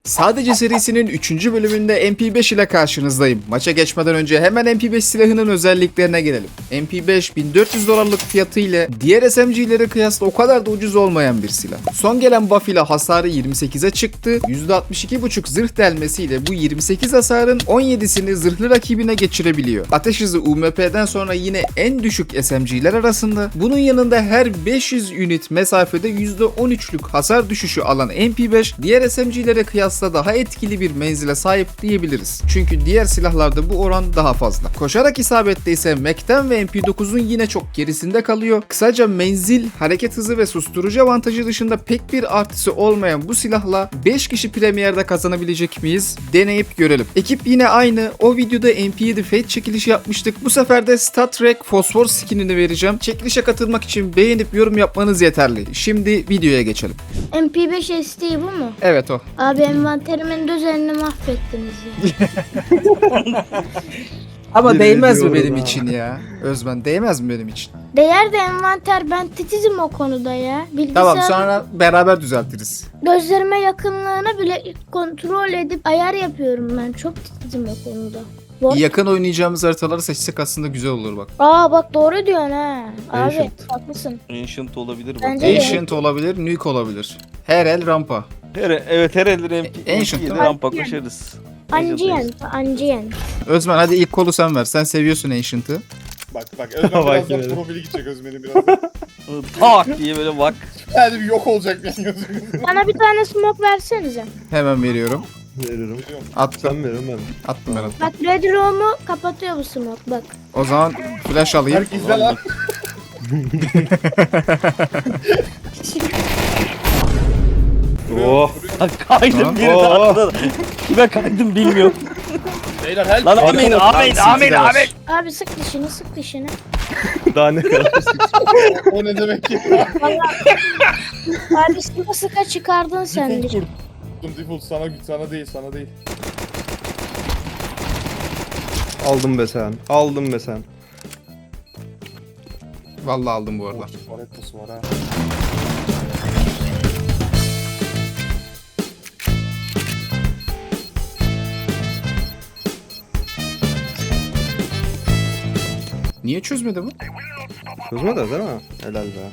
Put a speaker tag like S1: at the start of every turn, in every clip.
S1: Sadece serisinin 3. bölümünde MP5 ile karşınızdayım. Maça geçmeden önce hemen MP5 silahının özelliklerine gelelim. MP5 1400 dolarlık fiyatı ile diğer SMG'lere kıyasla o kadar da ucuz olmayan bir silah. Son gelen buff ile hasarı 28'e çıktı. %62.5 zırh delmesiyle bu 28 hasarın 17'sini zırhlı rakibine geçirebiliyor. Ateş hızı UMP'den sonra yine en düşük SMG'ler arasında. Bunun yanında her 500 ünit mesafede %13'lük hasar düşüşü alan MP5 diğer SMG'lere kıyasla daha etkili bir menzile sahip diyebiliriz. Çünkü diğer silahlarda bu oran daha fazla. Koşarak isabette ise Mac'ten ve MP9'un yine çok gerisinde kalıyor. Kısaca menzil, hareket hızı ve susturucu avantajı dışında pek bir artısı olmayan bu silahla 5 kişi Premier'de kazanabilecek miyiz? Deneyip görelim. Ekip yine aynı. O videoda MP7 Fate çekilişi yapmıştık. Bu sefer de Star Trek Fosfor skinini vereceğim. Çekilişe katılmak için beğenip yorum yapmanız yeterli. Şimdi videoya geçelim.
S2: MP5 SD bu mu?
S1: Evet o.
S2: Abi envanterimin düzenini mahvettiniz ya.
S1: Ama
S3: Bir
S1: değmez mi
S3: ediyorum
S1: benim
S3: ha.
S1: için ya? Özmen değmez mi benim için?
S2: Değer de envanter, ben titizim o konuda ya. Bilgisayar
S1: Tamam, sonra beraber düzeltiriz.
S2: gözlerime yakınlığını bile kontrol edip ayar yapıyorum ben. Çok titizim o konuda.
S1: Yakın oynayacağımız haritaları seçsek aslında güzel olur bak.
S2: Aa bak doğru diyorsun ha. Abi
S3: Ancient.
S2: haklısın.
S4: Ancient olabilir bak.
S2: Bence de.
S1: Ancient olabilir, Nuke olabilir. Her el rampa.
S4: Evet her elleri
S1: Ancient değil mi?
S4: rampa koşarız.
S2: Ancient.
S1: Özmen hadi ilk kolu sen ver. Sen seviyorsun Ancient'ı.
S5: Bak Özmen
S3: Bak
S5: birazdan
S3: yine de.
S5: profili gidecek Özmen'in birazdan.
S4: Tak diye böyle bak.
S5: Yani bir yok olacak yani Özmen'in.
S2: Bana bir tane smoke versenize.
S1: Hemen veriyorum.
S3: Veririm.
S1: Attım.
S3: Sen verin ben.
S1: Attım ben attım.
S2: Bak Red Room'u kapatıyor bu smoke bak.
S1: O zaman flash alayım.
S5: Herkes izle lan.
S3: Oh.
S4: Kaydım
S1: Tamam.
S4: biri arkada. Kime kaydım bilmiyorum.
S5: Beyler help.
S4: Lan amin amin.
S2: Abi sık dişini.
S3: Daha ne kadar?
S5: O ne demek ki?
S2: Abi sıka çıkardın sen dişini.
S5: Default sana değil.
S3: Aldım be sen. Aldım be sen.
S1: Vallahi aldım bu arada.
S5: Varettası var ha.
S1: Niye çözmedi bu?
S3: Çözmedi değil mi? Helal be.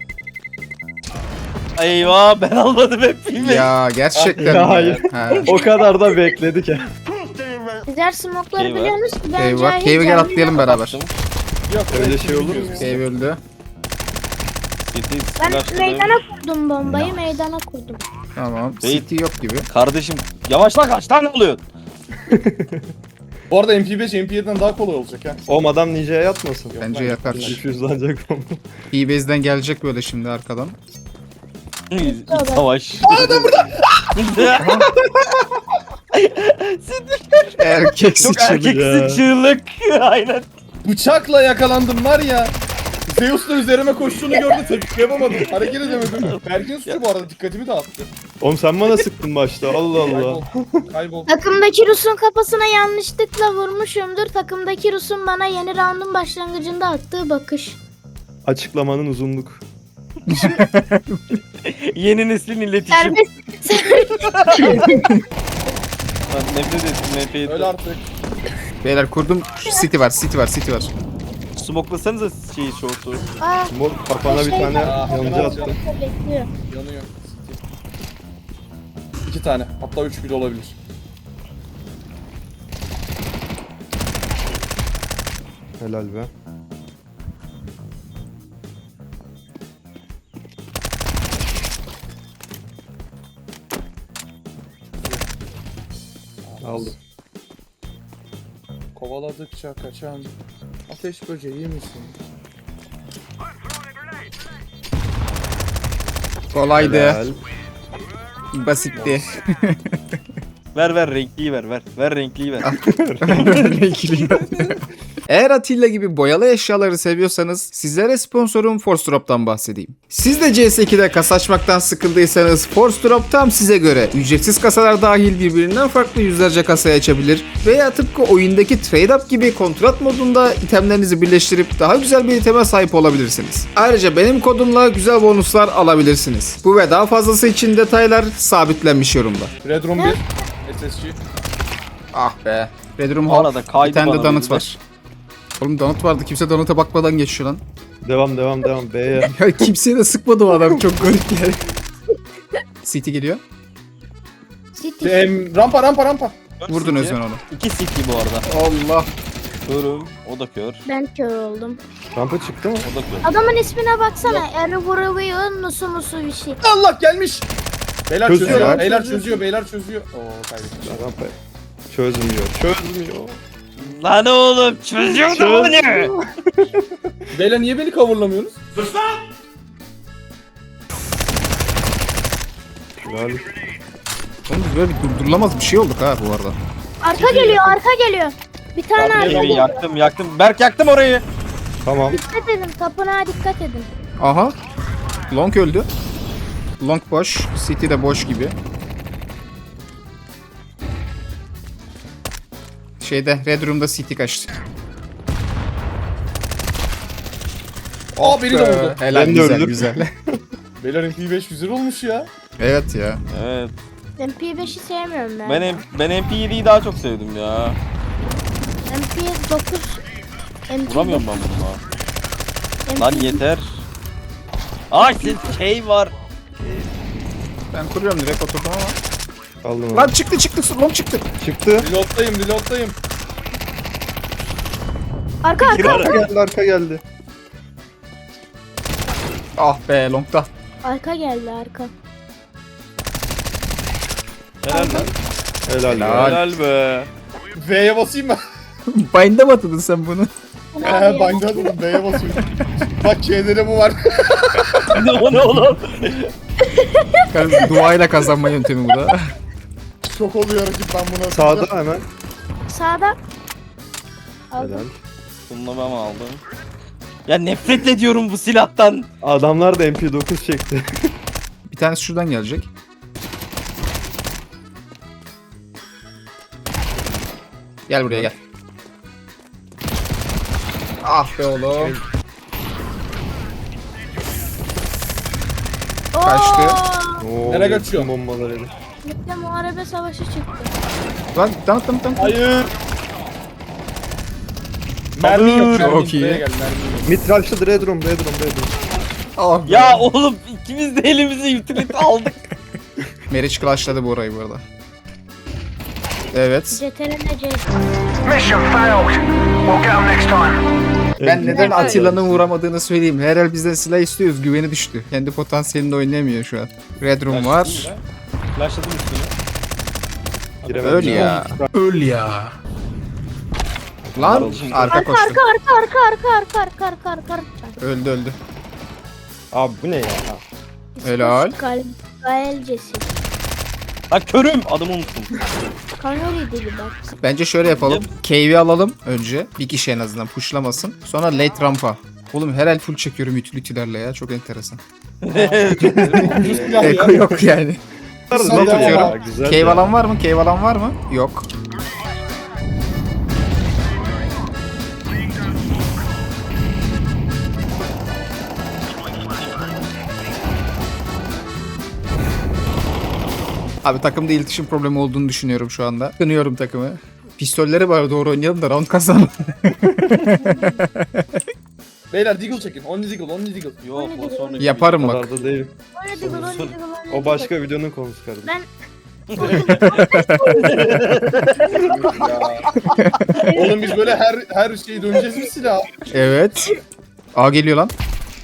S4: Eyvah ben almadım hep bilmedim.
S1: Ya gerçekten
S3: Ya
S1: mi?
S3: hayır.
S1: Ha.
S3: O kadar da bekledik ya.
S2: Sizler smoke'ları
S4: Eyvah.
S2: biliyorsunuz ki ben
S1: Eyvah.
S2: cahil
S1: Cave'e gel
S2: cahil
S1: atlayalım beraber.
S5: Yok
S3: Öyle şey olur mu?
S5: bilmiyoruz.
S1: Cave öldü.
S2: Ben meydana kurdum bombayı, meydana kurdum.
S1: Tamam.
S4: Beyt.
S1: City yok gibi.
S4: Kardeşim yavaşla kaç tane oluyor?
S5: Bu arada MP5 MP7'den daha kolay olacak ha.
S3: O adam ninja'ya yatmasın.
S1: Bence yakar.
S3: Difüzlanacak onu.
S1: E-base'den gelecek böyle şimdi arkadan.
S4: Savaş.
S1: Erkek
S4: Çok
S1: sıçradı.
S4: erkeksin çığlık. Aynen.
S5: Bıçakla yakalandım var ya. Zeus da üzerime koştuğunu gördü tepki yapamadım. Hareket edemedim. Berk'in suçu bu arada dikkatimi dağıttı.
S3: Oğlum sen bana sıktın başta. Allah Allah.
S5: Kaybol.
S2: Takımdaki Rus'un kafasına yanlışlıkla vurmuşumdur. Takımdaki Rus'un bana yeni round'un başlangıcında attığı bakış.
S3: Açıklamanın uzunluk.
S4: Yeni neslin iletişim.
S2: Serbest.
S4: Ben nefret ettim
S5: Öyle
S4: NF'yi.
S5: artık.
S1: Beyler kurdum. City var.
S4: Smoklasanıza şeyi şortu.
S2: Aa,
S3: Mor kafana bir tane yancı attı.
S2: bekliyor.
S5: Yanıyor. İki tane. Hatta üç bile olabilir.
S3: Helal be. Aldım.
S5: Kovaladıkça kaçan ateş böceği misin?
S1: Kolaydı.
S3: Helal.
S1: Basitti.
S4: Ver renkliyi ver. Ver renkliyi ver.
S1: Renkli. Eğer Atilla gibi boyalı eşyaları seviyorsanız sizlere sponsorum Force Drop'tan bahsedeyim. Siz de CS2'de kasa açmaktan sıkıldıysanız Force Drop tam size göre. Ücretsiz kasalar dahil birbirinden farklı yüzlerce kasayı açabilir veya tıpkı oyundaki Trade Up gibi kontrat modunda itemlerinizi birleştirip daha güzel bir iteme sahip olabilirsiniz. Ayrıca benim kodumla güzel bonuslar alabilirsiniz. Bu ve daha fazlası için detaylar sabitlenmiş yorumda.
S5: Red Room 1. SSG.
S1: Ah be. Red Room
S4: Arada
S1: Hall.
S4: kaydı
S1: Bir tane de
S4: bana
S1: donut
S4: bir de.
S1: var. Oğlum donut vardı. Kimse donut'a bakmadan geçiyor lan.
S3: Devam. B'ye.
S1: Ya kimseye de sıkmadı o adam. Çok garip yani. City geliyor.
S2: City.
S5: Rampa.
S1: Vurdun Özmen onu.
S4: 2 CT bu arada.
S1: Allah.
S4: Körüm. O da kör.
S2: Ben kör oldum.
S3: Rampa çıktı mı?
S4: O da kör.
S2: Adamın ismine baksana. Ervuruyor nusu musu bir şey.
S5: Allah gelmiş. Beyler
S3: Çözüyor
S5: çözüyor.
S3: lan.
S5: Beyler çözüyor. Oo kaybetmiş.
S3: Rampa çözmüyor.
S4: Lan oğlum çözüyor da bunu.
S5: Beyler niye beni coverlamıyorsunuz?
S3: Helal.
S1: Oğlum biz böyle bir durdurulamaz bir şey olduk ha bu arada.
S2: Arka geliyor. Bir tane
S5: Tamam,
S2: arka.
S4: Evi yaktım. Berk yaktım orayı.
S3: Tamam.
S2: Dikkat edin. Tapınağa dikkat edin.
S1: Aha. Long öldü. Long boş. City de boş gibi. Şeyde Red Room'da City kaçtı.
S5: Aa biri de vurdu.
S1: Helal
S3: Ben de
S1: güzel
S3: öldüm.
S1: güzel.
S5: Beyler MP5 güzel olmuş ya.
S1: Evet ya.
S4: Evet.
S2: MP5'i sevmiyorum ben.
S4: Ben MP7'yi daha çok sevdim ya.
S2: MP9. MP9.
S4: Vuramıyorum ben bununla.
S2: MP9.
S4: Lan yeter. Ay şey var.
S1: Ben kuruyorum direkt oturdum ama.
S3: Aldım
S1: Lan
S3: onu.
S1: çıktı. Long çıktı.
S3: Çıktı.
S5: Reload'dayım.
S2: Arka.
S3: Arka geldi.
S1: Ah be long'da.
S2: Arka geldi arka.
S4: Helal lan.
S3: Helal.
S1: Helal.
S4: Helal be.
S5: V'ye basayım mı?
S1: Bind'e mi atadın sen bunu?
S5: Bind'a dedim V'ye basıyorum. Bak şeylere bu var.
S4: O ne oğlum?
S1: Duayla kazanma yöntemi bu da.
S5: Çok oluyor rakip ben buna.
S3: Sağda hemen.
S2: Sağda. Aldım.
S3: Helal.
S4: Bunu ben aldım. Ya nefret ediyorum bu silahtan.
S3: Adamlar da MP9 çekti.
S1: Bir tanesi şuradan gelecek. Gel buraya gel. Ah be oğlum. Kaçtı.
S3: Oo,
S5: Nereye kaçıyor?
S3: bütün bombalar eli.
S2: Mitte muharebe savaşı çıktı.
S1: Lan tamam.
S5: Hayır. Mermi yok.
S1: Çok iyi.
S5: Buraya gel mermi.
S3: Mitralçlı Red Room.
S1: Ah be.
S4: Ya oğlum ikimiz de elimizi yutilit aldık.
S1: Meriç clutchladı bu orayı bu arada. Evet.
S2: CTRL C.
S6: Mission failed. We'll get 'em next time.
S1: Ben neden Atilla'nın vuramadığını söyleyeyim. Herhal bizden silah istiyoruz. Güveni düştü. Kendi potansiyelinde oynayamıyor şu an. Red Room var.
S4: Flashladım üstüne.
S3: Giremedim.
S1: Öl ya. Öl ya. Lan arka koştu.
S2: Arka.
S1: Öldü.
S3: Abi bu ne ya?
S1: Helal.
S2: Gaelcesi.
S4: Ha körüm adımı unuttum.
S2: Kanori dedi bak.
S1: Bence şöyle yapalım. Cave'i alalım önce. Bir kişi en azından pushlamasın. Sonra late rampa. Oğlum herhal full çekiyorum utility'lerle ya. Çok enteresan. Eko yok yani. Smoke
S5: Ya,
S1: atıyorum.
S3: güzel
S1: Cave
S3: ya.
S1: alan var mı? Cave alan var mı? Yok. Abi takımda iletişim problemi olduğunu düşünüyorum şu anda. Kınıyorum takımı. Pistolleri var doğru oynayalım da round kazanalım.
S5: Beyler Deagle çekin. Only Deagle.
S4: Yok o sonra.
S1: Yaparım
S3: O
S1: bak.
S3: kadar da değil. O başka videonun konusu kardeşim.
S2: Ben
S5: Oğlum biz böyle her şeyi döneceğiz mi silah?
S1: Evet. A geliyor lan.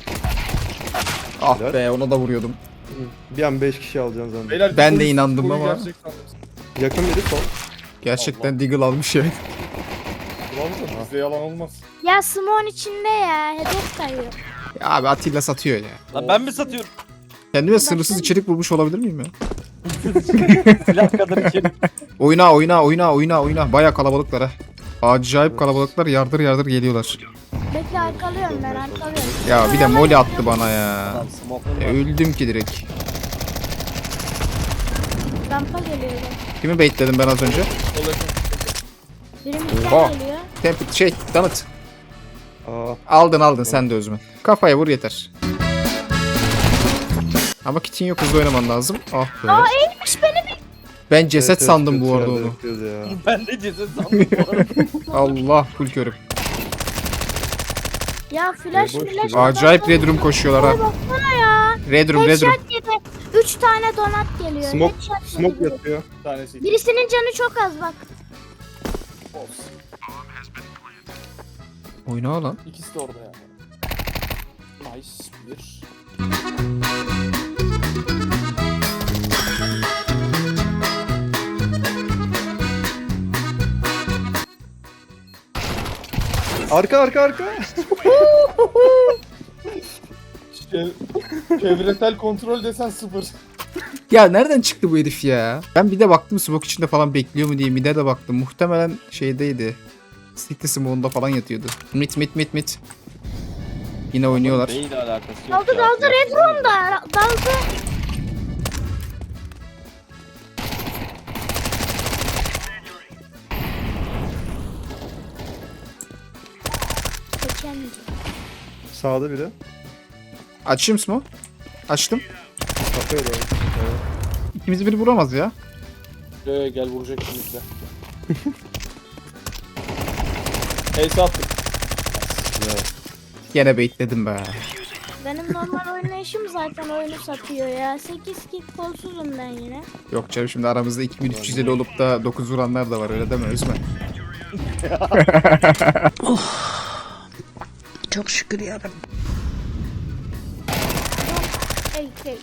S1: Ah
S3: Helal.
S1: be ona da vuruyordum.
S3: Bir an 5 kişi alacaksın zannediyorum.
S5: Beyler,
S1: Ben de
S5: Deagle'ın
S1: inandım
S5: koyu
S1: ama.
S5: gerçek sandım.
S3: Yakın biri sol.
S1: Gerçekten Deagle almış evet.
S5: Ulan bizde yalan olmaz.
S2: ya Simon içinde ya. Hedef kayıyor.
S1: Ya abi Atilla satıyor ya.
S4: Lan ben mi satıyorum?
S1: Kendime sınırsız içerik bulmuş olabilir miyim ya?
S4: Silah kadar içerim.
S1: Oyna. Baya kalabalıklar ha. Acayip kalabalıklar yardır yardır geliyorlar.
S2: Bekle arkalıyorum ben arkalıyorum.
S1: Ya bir de moli attı bana ya.
S4: Adam smoke'ları var.
S1: Öldüm ki direkt.
S2: Rampa geliyor.
S1: Kimi baitledim ben az önce?
S2: Biri
S1: Oha.
S2: midden geliyor.
S1: Donut.
S3: Aa,
S1: Aldın sen de Özmen. Kafaya vur yeter. Ama kitin yok, hızlı oynaman lazım. Ah be.
S2: Eğilmiş beni bir.
S1: Ben ceset
S3: evet,
S1: sandım
S3: kötü
S1: bu arada
S3: yerde
S1: onu.
S3: bekliyoruz ya.
S4: Ben de ceset sandım bu arada.
S1: Allah full körüm.
S2: Ya flash
S3: boş
S2: flash.
S3: ver.
S1: Acayip red room koşuyorlar
S2: Ay
S1: ha.
S2: baksana ya.
S1: Red room.
S2: Headshot yedi. 3 tane donat geliyor.
S3: Smoke,
S2: Headshot yedi
S3: smoke
S2: biri.
S3: yatıyor.
S5: Bir tanesi.
S2: Birisinin canı çok az bak.
S5: Olsun.
S1: Oyna lan.
S5: İkisi de orada ya. Nice bir.
S3: Arka.
S5: Çevresel kontrol desen 0.
S1: Ya nereden çıktı bu herif ya? Ben bir de baktım smoke içinde falan bekliyor mu diye mide de baktım. Muhtemelen şeydeydi. City smoke'unda falan yatıyordu. Mit. Yine oynuyorlar.
S4: Beyle alakası yok.
S2: Daldı
S4: ya.
S2: red room'da. Daldı. Geçemeyeceğim.
S3: Sağda biri.
S1: Açayım smoke. Açtım.
S3: Kafaya doğru.
S1: İkimizi biri vuramaz ya.
S5: Gel vuracak şimdi de. Ace attık.
S1: Gene baitledim be.
S2: Benim normal oynayışım zaten oyunu satıyor ya. 8 kick kolsuzum ben yine.
S1: Yok canım, şimdi aramızda 2350 olup da 9 vuranlar da var, öyle deme Özmen.
S7: Çok şükür yarabbim.
S2: Hey.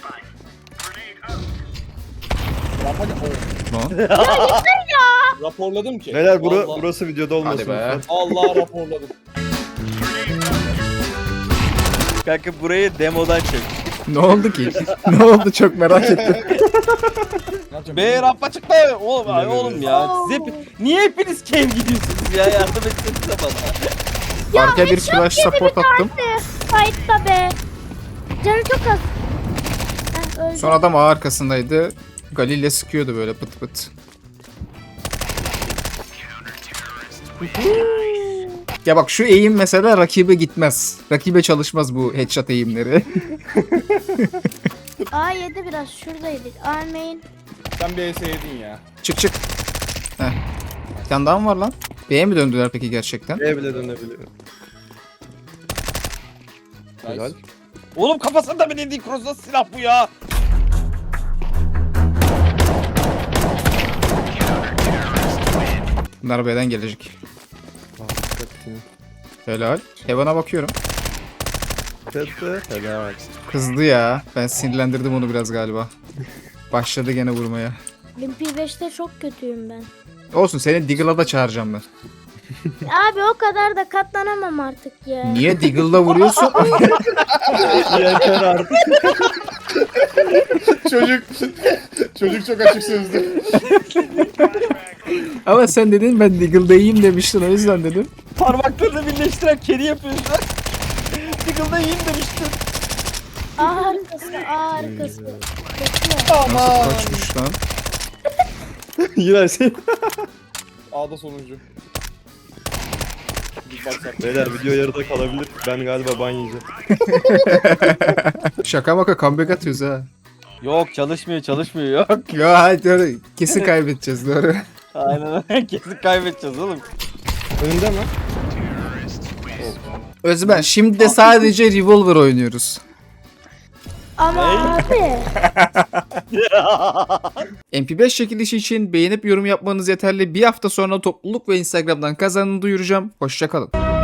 S5: Hadi.
S1: No.
S5: Raporladım ki.
S3: Beyler
S5: Vallahi-
S3: burası videoda olmasın.
S1: Hadi be.
S3: lütfen.
S5: Allah raporladım.
S4: Kanka burayı demodan çek.
S1: Ne oldu ki? Ne oldu, çok merak ettim.
S4: B rampa çıktı. Oğlum, ay oğlum ya. Siz niye hepiniz cave gidiyorsunuz ya? Yardım etsenize bana.
S1: Arkaya bir flash support attım.
S2: Fight'ta be. Canı çok az. Öldü.
S1: Son adam ağ arkasındaydı. Galil'le sıkıyordu böyle pıt pıt. Ya bak şu eğim mesela rakibe gitmez. Rakibe çalışmaz bu headshot eğimleri.
S2: A yedi biraz şuradaydık. A main.
S5: Sen bir ace yedin ya.
S1: Çık. Heh. Bir tane daha mı var lan? B'ye mi döndüler peki gerçekten?
S3: B'ye bile dönebiliyor. Helal.
S4: Oğlum kafasında mı dediğin cross'da silah bu ya?
S1: Bunlar B'den gelecek.
S3: Aa, dikkat edin.
S1: Helal. Heaven'a bakıyorum.
S3: Tete. Helal.
S1: Kızdı ya. Ben sinirlendirdim onu biraz galiba. Başladı gene vurmaya.
S2: Limpi 5'te çok kötüyüm ben.
S1: Olsun, seni Diggle'a da çağıracağım ben.
S2: Abi o kadar da katlanamam artık ya.
S1: Niye Diggle'la vuruyorsun?
S3: Yeter artık.
S5: Çocuk çok açık sözlü.
S1: Ama sen dedin ben Diggle'dayım demiştin, o yüzden dedim.
S4: Parmaklarını birleştiren kedi yapıyorsun. Tickle'da yiyeyim demiştin.
S2: A arkası. Bekliyor.
S5: Aman.
S1: Kaçmış lan.
S3: Yine şey.
S5: A'da sonuncu. Bir baksak.
S3: Beyler video yarıda kalabilir. Ben galiba ban yiyeceğim.
S1: Şaka maka comeback atıyoruz ha.
S4: Yok çalışmıyor yok.
S1: Ya hadi doğru. Kesin kaybedeceğiz, doğru.
S4: Aynen kesin kaybedeceğiz oğlum.
S3: Önünde mi?
S1: Özben, şimdi de sadece Revolver oynuyoruz.
S2: Ama abi.
S1: MP5 çekilişi için beğenip yorum yapmanız yeterli. Bir hafta sonra topluluk ve Instagram'dan kazanını duyuracağım. Hoşça kalın.